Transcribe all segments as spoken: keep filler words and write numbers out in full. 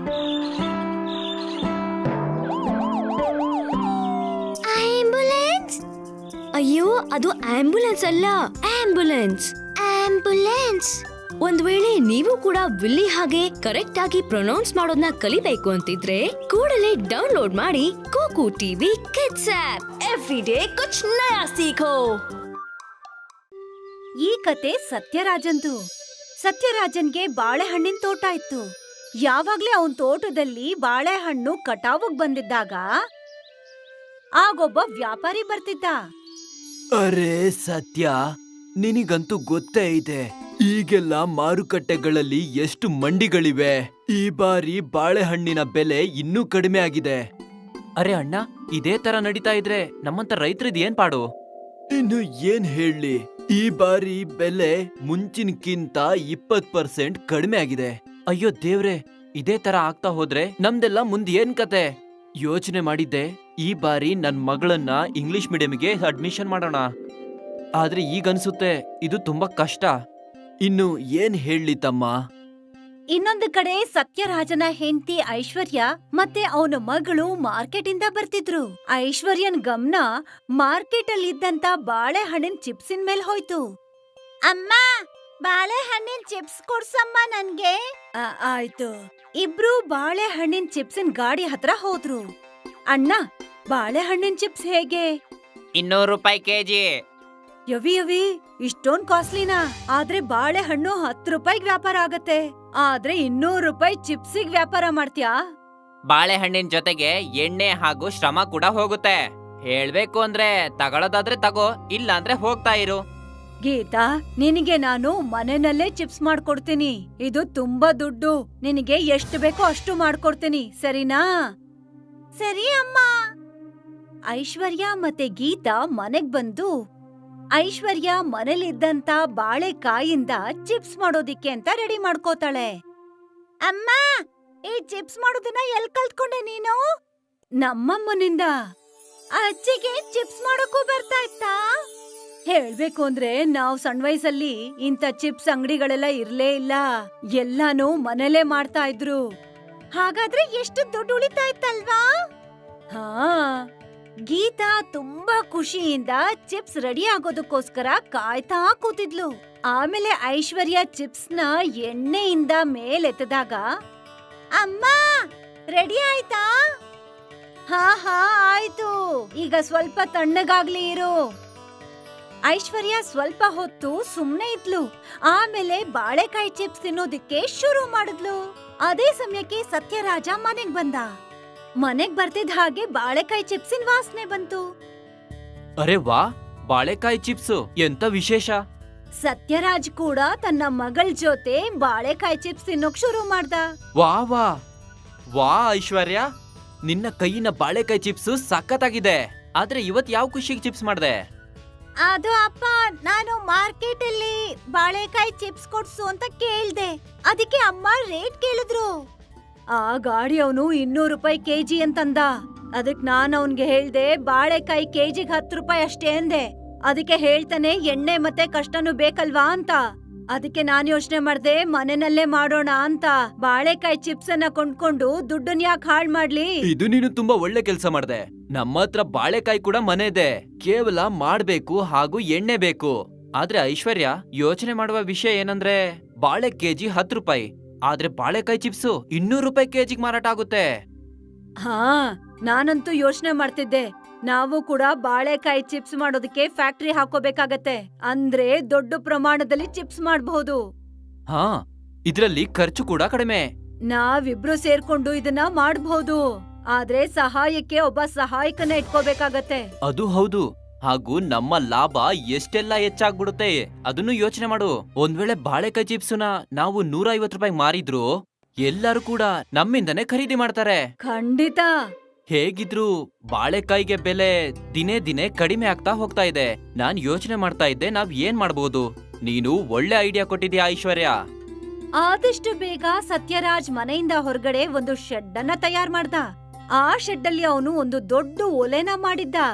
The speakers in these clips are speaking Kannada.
ಆಂಬ್ಯುಲೆನ್ಸ್? ಅಯ್ಯೋ, ಅದು ಆಂಬ್ಯುಲೆನ್ಸ್ ಅಲ್ಲ, ಆಂಬ್ಯುಲೆನ್ಸ್. ಆಂಬ್ಯುಲೆನ್ಸ್. ಒಂದ್ ವೇಳೆ ನೀವು ಕೂಡ ವಿಲ್ಲಿ ಹಾಗೆ ಕರೆಕ್ಟ್ ಆಗಿ ಪ್ರೊನೌನ್ಸ್ ಮಾಡೋದನ್ನ ಕಲಿಬೇಕು ಅಂತಿದ್ರೆ ಕೂಡಲೇ ಡೌನ್ಲೋಡ್ ಮಾಡಿ KooKoo TV kids app. Every day ಕುಚ್ ನಯಾ ಸೀಖೋ. ಈ ಕತೆ ಸತ್ಯರಾಜಂದು. ಸತ್ಯರಾಜನ್ಗೆ ಬಾಳೆಹಣ್ಣಿನ ತೋಟ ಇತ್ತು. ಯಾವಾಗ್ಲೇ ಅವನ್ ತೋಟದಲ್ಲಿ ಬಾಳೆಹಣ್ಣು ಕಟಾವುಗ್ ಬಂದಿದ್ದಾಗ ಆಗೊಬ್ಬ ವ್ಯಾಪಾರಿ ಬರ್ತಿದ್ದ. ಅರೆ ಸತ್ಯ, ನಿನಗಂತೂ ಗೊತ್ತೇ ಇದೆ ಈಗೆಲ್ಲ ಮಾರುಕಟ್ಟೆಗಳಲ್ಲಿ ಎಷ್ಟು ಮಂಡಿಗಳಿವೆ. ಈ ಬಾರಿ ಬಾಳೆಹಣ್ಣಿನ ಬೆಲೆ ಇನ್ನೂ ಕಡಿಮೆ ಆಗಿದೆ. ಅರೆ ಅಣ್ಣ, ಇದೇ ತರ ನಡೀತಾ ಇದ್ರೆ ನಮ್ಮಂತ ರೈತರದ್ ಏನ್ ಪಾಡು? ಇನ್ನು ಏನ್ ಹೇಳಿ, ಈ ಬಾರಿ ಬೆಲೆ ಮುಂಚಿನಕ್ಕಿಂತ ಇಪ್ಪತ್ ಪರ್ಸೆಂಟ್ ಕಡಿಮೆ ಆಗಿದೆ. ಅಯ್ಯೋ ದೇವ್ರೆ, ಇದೇ ತರ ಆಗ್ತಾ ಹೋದ್ರೆ ನಮ್ದೆಲ್ಲ ಮುಂದ್ ಏನ್ ಕತೆ? ಯೋಚನೆ ಮಾಡಿದ್ದೆ ಈ ಬಾರಿ ನನ್ ಮಗಳನ್ನ ಇಂಗ್ಲಿಷ್ ಮೀಡಿಯಂಗೆ ಅಡ್ಮಿಷನ್ ಮಾಡೋಣ. ಆದ್ರೆ ಈಗನ್ಸುತ್ತೆ ಇದು ತುಂಬಾ ಕಷ್ಟ. ಇನ್ನು ಏನ್ ಹೇಳಿ ತಮ್ಮ. ಇನ್ನೊಂದು ಕಡೆ ಸತ್ಯರಾಜನ ಹೆಂಡತಿ ಐಶ್ವರ್ಯ ಮತ್ತೆ ಅವನ ಮಗಳು ಮಾರ್ಕೆಟ್ ಇಂದ ಬರ್ತಿದ್ರು. ಐಶ್ವರ್ಯನ್ ಗಮನ ಮಾರ್ಕೆಟ್ ಅಲ್ಲಿ ಇದ್ದಂತ ಬಾಳೆಹಣ್ಣಿನ ಚಿಪ್ಸಿನ ಮೇಲ್ ಹೋಯ್ತು. ಅಮ್ಮ, ಬಾಳೆಹಣ್ಣಿನ ಚಿಪ್ಸ್ ಕೊಡ್ಸಮ್ಮ ನನ್ಗೆ. ಆಯ್ತು. ಇಬ್ರು ಬಾಳೆಹಣ್ಣಿನ ಚಿಪ್ಸಿನ ಗಾಡಿ ಹತ್ರ ಹೋದ್ರು. ಅಣ್ಣ, ಬಾಳೆಹಣ್ಣಿನ ಚಿಪ್ಸ್ ಹೇಗೆ? ಇನ್ನೂರು ರೂಪಾಯಿ ಕೆಜಿ. ಯವಿ ಯವಿ, ಇಷ್ಟೊಂದ್ ಕಾಸ್ಟ್ಲಿನಾ? ಆದ್ರೆ ಬಾಳೆಹಣ್ಣು ಹತ್ತು ರೂಪಾಯಿಗ್ ವ್ಯಾಪಾರ ಆಗತ್ತೆ. ಆದ್ರೆ ಇನ್ನೂರು ರೂಪಾಯಿ ಚಿಪ್ಸಿಗ್ ವ್ಯಾಪಾರ ಮಾಡ್ತ್ಯಾ? ಬಾಳೆಹಣ್ಣಿನ ಜೊತೆಗೆ ಎಣ್ಣೆ ಹಾಗೂ ಶ್ರಮ ಕೂಡ ಹೋಗುತ್ತೆ. ಹೇಳ್ಬೇಕು ಅಂದ್ರೆ ತಗೊಳ್ಳೋದಾದ್ರೆ ತಗೋ, ಇಲ್ಲ ಅಂದ್ರೆ ಹೋಗ್ತಾ ಇರು. ಗೀತಾ, ನಿನಗೆ ನಾನು ಮನೆಯಲ್ಲೇ ಚಿಪ್ಸ್ ಮಾಡ್ಕೊಡ್ತೀನಿ. ಇದು ತುಂಬಾ ದುಡ್ಡು. ನಿನಗೆ ಎಷ್ಟು ಬೇಕೋ ಅಷ್ಟು ಮಾಡ್ಕೊಡ್ತೀನಿ, ಸರಿನಾ? ಸರಿ ಅಮ್ಮ. ಐಶ್ವರ್ಯ ಮತ್ತೆ ಗೀತಾ ಮನೆಗ್ ಬಂದು ಐಶ್ವರ್ಯ ಮನೇಲಿದ್ದಂತ ಬಾಳೆಕಾಯಿಂದ ಚಿಪ್ಸ್ ಮಾಡೋದಿಕ್ಕೆ ಅಂತ ರೆಡಿ ಮಾಡ್ಕೋತಾಳೆ. ಅಮ್ಮ, ಈ ಚಿಪ್ಸ್ ಮಾಡೋದನ್ನ ಎಲ್ ಕಲ್ತ್ಕೊಂಡೆ ನೀನು? ನಮ್ಮಮ್ಮನಿಂದ. ಅಜ್ಜಿಗೆ ಚಿಪ್ಸ್ ಮಾಡೋಕ್ಕೂ ಬರ್ತಾ ಇತ್ತಾ? ಹೇಳ್ಬೇಕು ಅಂದ್ರೆ ನಾವ್ ಸಣ್ಣ ವಯಸ್ಸಲ್ಲಿ ಇಂಥ ಚಿಪ್ಸ್ ಅಂಗಡಿಗಳೆಲ್ಲ ಇರ್ಲೇ ಇಲ್ಲ. ಎಲ್ಲಾನು ಮನೇಲೆ ಮಾಡ್ತಾ ಇದ್ರು. ಹಾಗಾದ್ರೆ ಎಷ್ಟು ದುಡ್ಡು ಉಳಿತಾ ಇತ್ತಲ್ವಾ? ಹಾ. ಗೀತಾ ತುಂಬಾ ಖುಷಿಯಿಂದ ಚಿಪ್ಸ್ ರೆಡಿ ಆಗೋದಕ್ಕೋಸ್ಕರ ಕಾಯ್ತಾ ಕೂತಿದ್ಲು. ಆಮೇಲೆ ಐಶ್ವರ್ಯ ಚಿಪ್ಸ್ ನ ಎಣ್ಣೆಯಿಂದ ಮೇಲೆತ್ತದಾಗ, ಅಮ್ಮ, ರೆಡಿ ಆಯ್ತಾ? ಹಾ ಹಾ ಆಯ್ತು, ಈಗ ಸ್ವಲ್ಪ ತಣ್ಣಗಾಗ್ಲಿ ಇರು. ಐಶ್ವರ್ಯ ಸ್ವಲ್ಪ ಹೊತ್ತು ಸುಮ್ನೆ ಇದ್ಲು. ಆಮೇಲೆ ಬಾಳೆಕಾಯಿ ಚಿಪ್ಸ್ ತಿನ್ನೋದಿಕ್ಕೆ ಶುರು ಮಾಡಿದ್ಲು. ಅದೇ ಸಮಯಕ್ಕೆ ಸತ್ಯರಾಜ ಮನೆಗ್ ಬಂದ. ಮನೆಗ್ ಬರ್ತಿದ್ ಹಾಗೆ ಬಾಳೆಕಾಯಿ ಚಿಪ್ಸಿನ ವಾಸನೆ ಬಂತು. ಅರೆ ವಾ, ಬಾಳೆಕಾಯಿ ಚಿಪ್ಸ್ ಎಂತ ವಿಶೇಷ! ಸತ್ಯರಾಜ್ ಕೂಡ ತನ್ನ ಮಗಳ ಜೊತೆ ಬಾಳೆಕಾಯಿ ಚಿಪ್ಸ್ ತಿನ್ನೋಕ್ ಶುರು ಮಾಡ್ದ. ವಾ ವಾ ವಾ ಐಶ್ವರ್ಯ, ನಿನ್ನ ಕೈಯಿನ ಬಾಳೆಕಾಯಿ ಚಿಪ್ಸ್ ಸಖತ್ತಾಗಿದೆ. ಆದ್ರೆ ಇವತ್ ಯಾವ ಖುಷಿಗೆ ಚಿಪ್ಸ್ ಮಾಡ್ದೆ? ಅದು ಅಪ್ಪ, ನಾನು ಮಾರ್ಕೆಟ್ ಅಲ್ಲಿ ಬಾಳೆಕಾಯಿ ಚಿಪ್ಸ್ ಕೊಡ್ಸು ಅಂತ ಕೇಳ್ದೆ. ಅದಕ್ಕೆ ಅಮ್ಮ ರೇಟ್ ಕೇಳಿದ್ರು. ಆ ಗಾಡಿ ಅವನು ಇನ್ನೂರು ರೂಪಾಯಿ ಕೆಜಿ ಅಂತಂದ. ಅದಕ್ ನಾನ್ ಅವನ್ಗೆ ಹೇಳ್ದೆ ಬಾಳೆಕಾಯಿ ಕೆಜಿಗ್ ಹತ್ತು ರೂಪಾಯಿ ಅಷ್ಟೇ ಅಂದೆ. ಅದಕ್ಕೆ ಹೇಳ್ತಾನೆ ಎಣ್ಣೆ ಮತ್ತೆ ಕಷ್ಟನೂ ಬೇಕಲ್ವಾ ಅಂತ. ಅದಕ್ಕೆ ನಾನ್ ಯೋಚನೆ ಮಾಡ್ದೆ ಮನೆಯಲ್ಲೇ ಮಾಡೋಣ ಅಂತ. ಬಾಳೆಕಾಯಿ ಚಿಪ್ಸ್ ಅನ್ನ ಕೊಂಡ್ಕೊಂಡು ದುಡ್ಡನ್ ಯಾಕೆ ಹಾಳ್ ಮಾಡ್ಲಿ? ಇದು ನೀನು ತುಂಬಾ ಒಳ್ಳೆ ಕೆಲ್ಸ ಮಾಡ್ದೆ. ನಮ್ಮ ಹತ್ರ ಬಾಳೆಕಾಯಿ ಕೂಡ ಮನೆ ಇದೆ. ಕೇವಲ ಮಾಡ್ಬೇಕು ಹಾಗೂ ಎಣ್ಣೆ ಬೇಕು. ಆದ್ರೆ ಐಶ್ವರ್ಯ, ಯೋಚನೆ ಮಾಡುವ ವಿಷಯ ಏನಂದ್ರೆ ಬಾಳೆ ಕೆಜಿ ಹತ್ತು ರೂಪಾಯಿ, ಆದ್ರೆ ಬಾಳೆಕಾಯಿ ಚಿಪ್ಸ್ ಇನ್ನೂರು ರೂಪಾಯಿ ಕೆಜಿಗ್ ಮಾರಾಟ ಆಗುತ್ತೆ. ಹಾ, ನಾನಂತೂ ಯೋಚನೆ ಮಾಡ್ತಿದ್ದೆ ನಾವು ಕೂಡ ಬಾಳೆಕಾಯಿ ಚಿಪ್ಸ್ ಮಾಡೋದಕ್ಕೆ ಫ್ಯಾಕ್ಟರಿ ಹಾಕೋಬೇಕಾಗತ್ತೆ. ಅಂದ್ರೆ ದೊಡ್ಡ ಪ್ರಮಾಣದಲ್ಲಿ ಚಿಪ್ಸ್ ಮಾಡಬಹುದು. ಹಾ, ಇದ್ರಲ್ಲಿ ಖರ್ಚು ಕೂಡ ಕಡಿಮೆ. ನಾವಿಬ್ರು ಸೇರ್ಕೊಂಡು ಇದನ್ನ ಮಾಡಬಹುದು. ಆದ್ರೆ ಸಹಾಯಕ್ಕೆ ಒಬ್ಬ ಸಹಾಯಕನ ಇಟ್ಕೋಬೇಕಾಗತ್ತೆ. ಅದು ಹೌದು. ಹಾಗೂ ನಮ್ಮ ಲಾಭ ಎಷ್ಟೆಲ್ಲ ಹೆಚ್ಚಾಗ್ಬಿಡುತ್ತೆ ಅದನ್ನು ಯೋಚನೆ ಮಾಡು. ಒಂದ್ ವೇಳೆ ಬಾಳೆಕಾಯಿ ಚಿಪ್ಸ್ನ ನಾವು ನೂರ ಐವತ್ ರೂಪಾಯಿ ಮಾರಿದ್ರು ಎಲ್ಲರೂ ಕೂಡ ನಮ್ಮಿಂದನೇ ಖರೀದಿ ಮಾಡ್ತಾರೆ. ಖಂಡಿತ. ಹೇಗಿದ್ರು ಬಾಳೆಕಾಯಿಗೆ ಬೆಲೆ ದಿನೇ ದಿನೇ ಕಡಿಮೆ ಆಗ್ತಾ ಹೋಗ್ತಾ ಇದೆ. ನಾನ್ ಯೋಚನೆ ಮಾಡ್ತಾ ಇದ್ದೆ ನಾವ್ ಏನ್ ಮಾಡ್ಬೋದು. ನೀನು ಒಳ್ಳೆ ಐಡಿಯಾ ಕೊಟ್ಟಿದ್ಯಾ ಐಶ್ವರ್ಯ. ಆದಷ್ಟು ಬೇಗ ಸತ್ಯರಾಜ್ ಮನೆಯಿಂದ ಹೊರಗಡೆ ಒಂದು ಶೆಡ್ ಅನ್ನ ತಯಾರ್ ಮಾಡ್ದ. ಆ ಶೆಡ್ ಅಲ್ಲಿ ಅವನು ಒಂದು ದೊಡ್ಡ ಒಲೆನ ಮಾಡಿದ್ದ.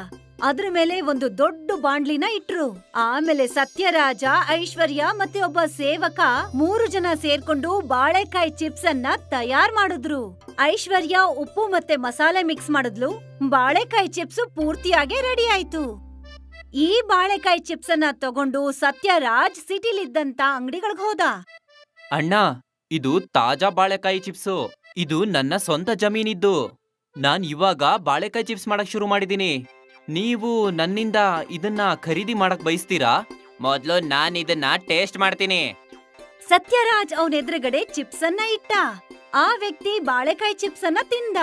ಅದ್ರ ಮೇಲೆ ಒಂದು ದೊಡ್ಡ ಬಾಂಡ್ಲಿನ ಇಟ್ರು. ಆಮೇಲೆ ಸತ್ಯರಾಜ, ಐಶ್ವರ್ಯ ಮತ್ತೆ ಒಬ್ಬ ಸೇವಕ ಮೂರು ಜನ ಸೇರ್ಕೊಂಡು ಬಾಳೆಕಾಯಿ ಚಿಪ್ಸ್ ಅನ್ನ ತಯಾರ್ ಮಾಡಿದ್ರು. ಐಶ್ವರ್ಯ ಉಪ್ಪು ಮತ್ತೆ ಮಸಾಲೆ ಮಿಕ್ಸ್ ಮಾಡಿದ್ಲು. ಬಾಳೆಕಾಯಿ ಚಿಪ್ಸ್ ಪೂರ್ತಿಯಾಗಿ ರೆಡಿ ಆಯ್ತು. ಈ ಬಾಳೆಕಾಯಿ ಚಿಪ್ಸ್ ಅನ್ನ ತಗೊಂಡು ಸತ್ಯರಾಜ್ ಸಿಟಿಲಿದ್ದಂತ ಅಂಗಡಿಗಳಿಗೆ ಹೋದ. ಅಣ್ಣ, ಇದು ತಾಜಾ ಬಾಳೆಕಾಯಿ ಚಿಪ್ಸು. ಇದು ನನ್ನ ಸ್ವಂತ ಜಮೀನಿದ್ದು. ನಾನ್ ಇವಾಗ ಬಾಳೆಕಾಯಿ ಚಿಪ್ಸ್ ಮಾಡಕ್ ಶುರು ಮಾಡಿದೀನಿ. ನೀವು ನನ್ನಿಂದ ಇದನ್ನ ಖರೀದಿ ಮಾಡಕ್ ಬಯಸ್ತೀರಾ? ಮೊದ್ಲು ನಾನ್ ಇದನ್ನ ಟೇಸ್ಟ್ ಮಾಡ್ತೀನಿ. ಸತ್ಯರಾಜ್ ಅವನ ಎದುರುಗಡೆ ಚಿಪ್ಸ್ ಅನ್ನ ಇಟ್ಟ. ಆ ವ್ಯಕ್ತಿ ಬಾಳೆಕಾಯಿ ಚಿಪ್ಸ್ ಅನ್ನ ತಿಂದ.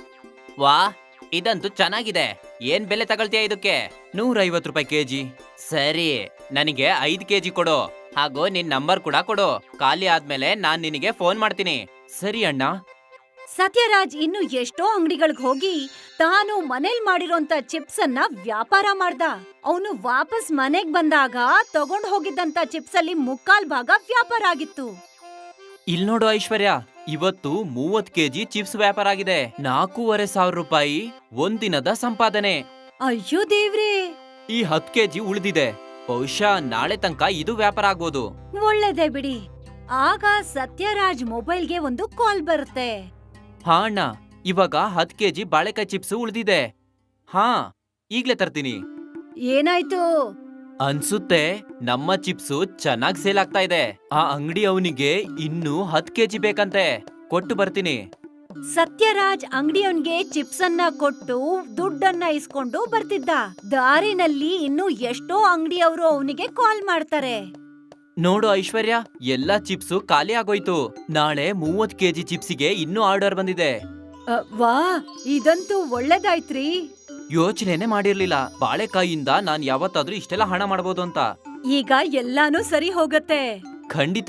ವಾ, ಇದಂತೂ ಚೆನ್ನಾಗಿದೆ. ಏನ್ ಬೆಲೆ ತಗೊಳ್ತೀಯ ಇದಕ್ಕೆ? ನೂರೈವತ್ತು ರೂಪಾಯಿ ಕೆಜಿ. ಸರಿ, ನನಗೆ ಐದ್ ಕೆಜಿ ಕೊಡು. ಹಾಗೂ ನಿನ್ ನಂಬರ್ ಕೂಡ ಕೊಡು. ಖಾಲಿ ಆದ್ಮೇಲೆ ನಾನ್ ನಿನಗೆ ಫೋನ್ ಮಾಡ್ತೀನಿ. ಸರಿ ಅಣ್ಣ. ಸತ್ಯರಾಜ್ ಇನ್ನು ಎಷ್ಟೋ ಅಂಗಡಿಗಳಿಗೆ ಹೋಗಿ ತಾನು ಮನೇಲ್ ಮಾಡಿರೋಂತ ಚಿಪ್ಸ್ ಅನ್ನ ವ್ಯಾಪಾರ ಮಾಡ್ದ. ಅವನು ವಾಪಸ್ ಮನೆಗ್ ಬಂದಾಗ ತಗೊಂಡ್ ಹೋಗಿದ್ದಂತ ಚಿಪ್ಸ್ ಅಲ್ಲಿ ಮುಕ್ಕಾಲ್ ಭಾಗ ವ್ಯಾಪಾರ ಆಗಿತ್ತು. ಇಲ್ ನೋಡು ಐಶ್ವರ್ಯ, ಇವತ್ತು ಮೂವತ್ ಕೆಜಿ ಚಿಪ್ಸ್ ವ್ಯಾಪಾರ ಆಗಿದೆ. ನಾಲ್ಕೂವರೆ ಸಾವಿರ ರೂಪಾಯಿ ಒಂದಿನದ ಸಂಪಾದನೆ. ಅಯ್ಯೋ ದೇವ್ರೇ, ಈ ಹತ್ ಕೆಜಿ ಉಳಿದಿದೆ. ಬಹುಶಃ ನಾಳೆ ತನಕ ಇದು ವ್ಯಾಪಾರ ಆಗ್ಬೋದು. ಒಳ್ಳೇದೇ ಬಿಡಿ. ಆಗ ಸತ್ಯರಾಜ್ ಮೊಬೈಲ್ಗೆ ಒಂದು ಕಾಲ್ ಬರುತ್ತೆ. ಹಾ ಅಣ್ಣ, ಇವಾಗ ಹತ್ ಕೆಜಿ ಬಾಳೆಕಾಯಿ ಚಿಪ್ಸ್ ಉಳಿದಿದೆ. ಹಾ, ಈಗ್ಲೇ ತರ್ತೀನಿ. ಏನಾಯ್ತು? ಅನ್ಸುತ್ತೆ ನಮ್ಮ ಚಿಪ್ಸು ಚೆನ್ನಾಗ್ ಸೇಲ್ ಆಗ್ತಾ ಇದೆ. ಆ ಅಂಗಡಿ ಅವನಿಗೆ ಇನ್ನೂ ಹತ್ ಕೆಜಿ ಬೇಕಂತೆ. ಕೊಟ್ಟು ಬರ್ತೀನಿ. ಸತ್ಯರಾಜ್ ಅಂಗಡಿಯವನ್ಗೆ ಚಿಪ್ಸ್ ಅನ್ನ ಕೊಟ್ಟು ದುಡ್ಡನ್ನ ಇಸ್ಕೊಂಡು ಬರ್ತಿದ್ದ. ದಾರಿನಲ್ಲಿ ಇನ್ನು ಎಷ್ಟೋ ಅಂಗಡಿಯವರು ಅವನಿಗೆ ಕಾಲ್ ಮಾಡ್ತಾರೆ. ನೋಡು ಐಶ್ವರ್ಯ, ಎಲ್ಲಾ ಚಿಪ್ಸು ಖಾಲಿ ಆಗೋಯ್ತು. ನಾಳೆ ಮೂವತ್ ಕೆಜಿ ಚಿಪ್ಸಿಗೆ ಇನ್ನೂ ಆರ್ಡರ್ ಬಂದಿದೆ. ಅ, ವಾ, ಇದಂತೂ ಒಳ್ಳೇದಾಯ್ತ್ರಿ. ಯೋಚನೆನೆ ಮಾಡಿರ್ಲಿಲ್ಲ ಬಾಳೆಕಾಯಿಯಿಂದ ನಾನ್ ಯಾವತ್ತಾದ್ರೂ ಇಷ್ಟೆಲ್ಲ ಹಣ ಮಾಡಬಹುದು ಅಂತ. ಈಗ ಎಲ್ಲಾನು ಸರಿ ಹೋಗತ್ತೆ. ಖಂಡಿತ.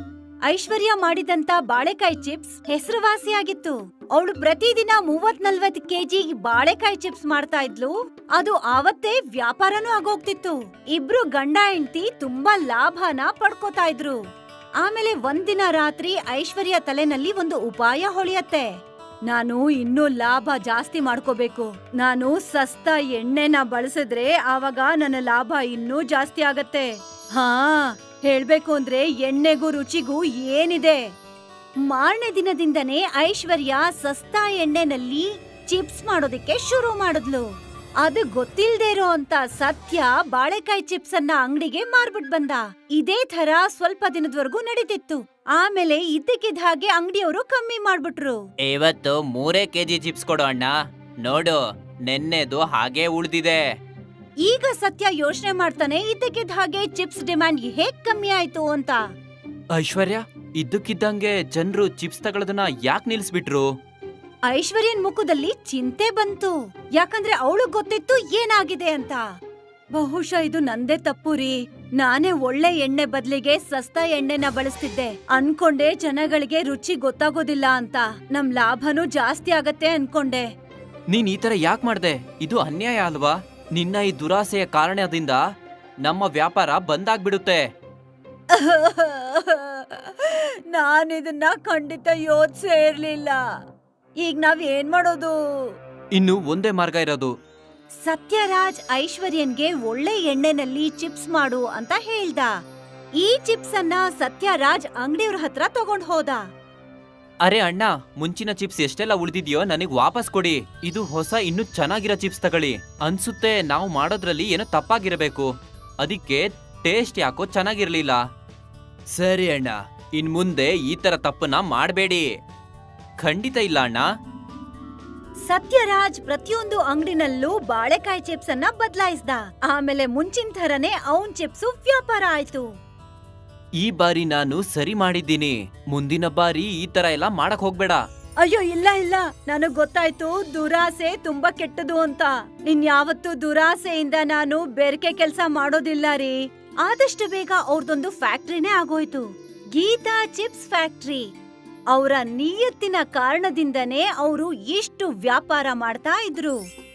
ಐಶ್ವರ್ಯ ಮಾಡಿದಂತ ಬಾಳೆಕಾಯಿ ಚಿಪ್ಸ್ ಹೆಸರುವಾಸಿಯಾಗಿತ್ತು. ಅವಳು ಪ್ರತಿದಿನ ಮೂವತ್ ನಲ್ವತ್ ಕೆಜಿ ಬಾಳೆಕಾಯಿ ಚಿಪ್ಸ್ ಮಾಡ್ತಾ ಇದ್ಲು. ಅದು ಆವತ್ತೇ ವ್ಯಾಪಾರನೂ ಆಗೋಗ್ತಿತ್ತು. ಇಬ್ರು ಗಂಡ ಹೆಂಡತಿ ತುಂಬಾ ಲಾಭನ ಪಡ್ಕೋತಾ ಇದ್ರು. ಆಮೇಲೆ ಒಂದಿನ ರಾತ್ರಿ ಐಶ್ವರ್ಯ ತಲೆನಲ್ಲಿ ಒಂದು ಉಪಾಯ ಹೊಳೆಯತ್ತೆ. ನಾನು ಇನ್ನೂ ಲಾಭ ಜಾಸ್ತಿ ಮಾಡ್ಕೋಬೇಕು. ನಾನು ಸಸ್ತಾ ಎಣ್ಣೆನ ಬಳಸಿದ್ರೆ ಆವಾಗ ನನ್ನ ಲಾಭ ಇನ್ನೂ ಜಾಸ್ತಿ ಆಗತ್ತೆ. ಹಾ, ಹೇಳ್ಬೇಕು ಅಂದ್ರೆ ಎಣ್ಣೆಗೂ ರುಚಿಗೂ ಏನಿದೆ. ಮಾರನೇ ದಿನದಿಂದನೇ ಐಶ್ವರ್ಯ ಸಸ್ತಾ ಎಣ್ಣೆನಲ್ಲಿ ಚಿಪ್ಸ್ ಮಾಡೋದಕ್ಕೆ ಶುರು ಮಾಡಿದ್ಲು. ಅದು ಗೊತ್ತಿಲ್ದೇ ಇರೋ ಅಂತ ಸತ್ಯ ಬಾಳೆಕಾಯಿ ಚಿಪ್ಸ್ ಅನ್ನ ಅಂಗಡಿಗೆ ಮಾರ್ಬಿಟ್ ಬಂದ. ಇದೇ ತರ ಸ್ವಲ್ಪ ದಿನದವರೆಗೂ ನಡೀತಿತ್ತು. ಆಮೇಲೆ ಇದ್ದಕ್ಕಿದ್ದ ಹಾಗೆ ಅಂಗಡಿಯವರು ಕಮ್ಮಿ ಮಾಡ್ಬಿಟ್ರು. ಇವತ್ತು ಮೂರೇ ಕೆಜಿ ಚಿಪ್ಸ್ ಕೊಡು ಅಣ್ಣ. ನೋಡು, ನೆನ್ನೆದು ಹಾಗೆ ಉಳ್ದಿದೆ. ಈಗ ಸತ್ಯ ಯೋಚನೆ ಮಾಡ್ತಾನೆ, ಇದ್ದಕ್ಕಿದ್ದ ಹಾಗೆ ಚಿಪ್ಸ್ ಡಿಮ್ಯಾಂಡ್ ಹೇಗ್ ಕಮ್ಮಿ ಆಯ್ತು ಅಂತ. ಐಶ್ವರ್ಯ, ಇದ್ದಕ್ಕಿದ್ದಂಗೆ ಜನರು ಚಿಪ್ಸ್ ತಗೊಳ್ಳೋದನ್ನ ಯಾಕೆ ನಿಲ್ಸ್ಬಿಟ್ರು? ಐಶ್ವರ್ಯನ್ ಮುಖದಲ್ಲಿ ಚಿಂತೆ ಬಂತು. ಯಾಕಂದ್ರೆ ಅವಳು ಗೊತ್ತಿತ್ತು ಏನಾಗಿದೆ ಅಂತ. ಬಹುಶಃ ಇದು ನಂದೇ ತಪ್ಪು ರೀ. ನಾನೇ ಒಳ್ಳೆ ಎಣ್ಣೆ ಬದ್ಲಿಗೆ ಸಸ್ತಾ ಎಣ್ಣೆನ ಬಳಸ್ತಿದ್ದೆ. ಅನ್ಕೊಂಡೆ ಜನಗಳಿಗೆ ರುಚಿ ಗೊತ್ತಾಗೋದಿಲ್ಲ ಅಂತ. ನಮ್ ಲಾಭನೂ ಜಾಸ್ತಿ ಆಗತ್ತೆ ಅನ್ಕೊಂಡೆ. ನೀನ್ ಈ ತರ ಯಾಕೆ ಮಾಡ್ದೆ? ಇದು ಅನ್ಯಾಯ ಅಲ್ವಾ? ನಿನ್ನ ಈ ದುರಾಸೆಯ ಕಾರಣದಿಂದ ನಮ್ಮ ವ್ಯಾಪಾರ ಬಂದಾಗ್ಬಿಡುತ್ತೆ. ನಾನಿದನ್ನ ಖಂಡಿತ ಯೋಚಿಸೇ ಇರ್ಲಿಲ್ಲ. ಈಗ ನಾವ್ ಏನ್ ಮಾಡೋದು? ಇನ್ನು ಒಂದೇ ಮಾರ್ಗ ಇರೋದು. ಸತ್ಯರಾಜ್ ಐಶ್ವರ್ಯನ್ಗೆ ಒಳ್ಳೆ ಎಣ್ಣೆನಲ್ಲಿ ಚಿಪ್ಸ್ ಮಾಡು ಅಂತ ಹೇಳ್ದ. ಈ ಚಿಪ್ಸ್ ಅನ್ನ ಸತ್ಯರಾಜ್ ಅಂಗಡಿಯವ್ರ ಹತ್ರ ತಗೊಂಡ್ ಹೋದ. ಅರೆ ಅಣ್ಣ, ಮುಂಚಿನ ಚಿಪ್ಸ್ ಎಷ್ಟೆಲ್ಲ ಉಳಿದಿದ್ಯೋ ನನಗ್ ವಾಪಸ್ ಕೊಡಿ. ಇದು ಹೊಸ ಇನ್ನು ಚೆನ್ನಾಗಿರೋ ಚಿಪ್ಸ್ ತಗೊಳ್ಳಿ. ಅನ್ಸುತ್ತೆ ನಾವು ಮಾಡೋದ್ರಲ್ಲಿ ಏನೋ ತಪ್ಪಾಗಿರಬೇಕು. ಅದಕ್ಕೆ ಟೇಸ್ಟ್ ಯಾಕೋ ಚೆನ್ನಾಗಿರ್ಲಿಲ್ಲ. ಸರಿ ಅಣ್ಣ, ಇನ್ ಮುಂದೆ ಈ ತರ ತಪ್ಪನ್ನ ಮಾಡಬೇಡಿ. ಖಂಡಿತ ಇಲ್ಲ ಅಣ್ಣ. ಸತ್ಯರಾಜ್ ಪ್ರತಿಯೊಂದು ಅಂಗಡಿನಲ್ಲೂ ಬಾಳೆಕಾಯಿ ಚಿಪ್ಸ್ ಅನ್ನ ಬದಲಾಯಿಸ್ದ. ಆಮೇಲೆ ಮುಂಚಿನ ಥರನೇ ಅವನ್ ಚಿಪ್ಸ್ ವ್ಯಾಪಾರ ಆಯ್ತು. ಈ ಬಾರಿ ನಾನು ಸರಿ ಮಾಡಿದ್ದೀನಿ. ಮುಂದಿನ ಬಾರಿ ಈ ತರ ಎಲ್ಲ ಮಾಡಕ್ ಹೋಗ್ಬೇಡ. ಅಯ್ಯೋ, ಇಲ್ಲ ಇಲ್ಲ, ನನಗ್ ಗೊತ್ತಾಯ್ತು ದುರಾಸೆ ತುಂಬಾ ಕೆಟ್ಟದು ಅಂತ. ಇನ್ಯಾವತ್ತೂ ದುರಾಸೆಯಿಂದ ನಾನು ಬೇರ್ಕೆ ಕೆಲ್ಸ ಮಾಡೋದಿಲ್ಲ ರೀ. ಆದಷ್ಟು ಬೇಗ ಅವ್ರದೊಂದು ಫ್ಯಾಕ್ಟ್ರಿನೇ ಆಗೋಯ್ತು, ಗೀತಾ ಚಿಪ್ಸ್ ಫ್ಯಾಕ್ಟ್ರಿ. ಅವರ ನಿಯತ್ತಿನ ಕಾರಣದಿಂದನೇ ಅವರು ಇಷ್ಟು ವ್ಯಾಪಾರ ಮಾಡ್ತಾ ಇದ್ರು.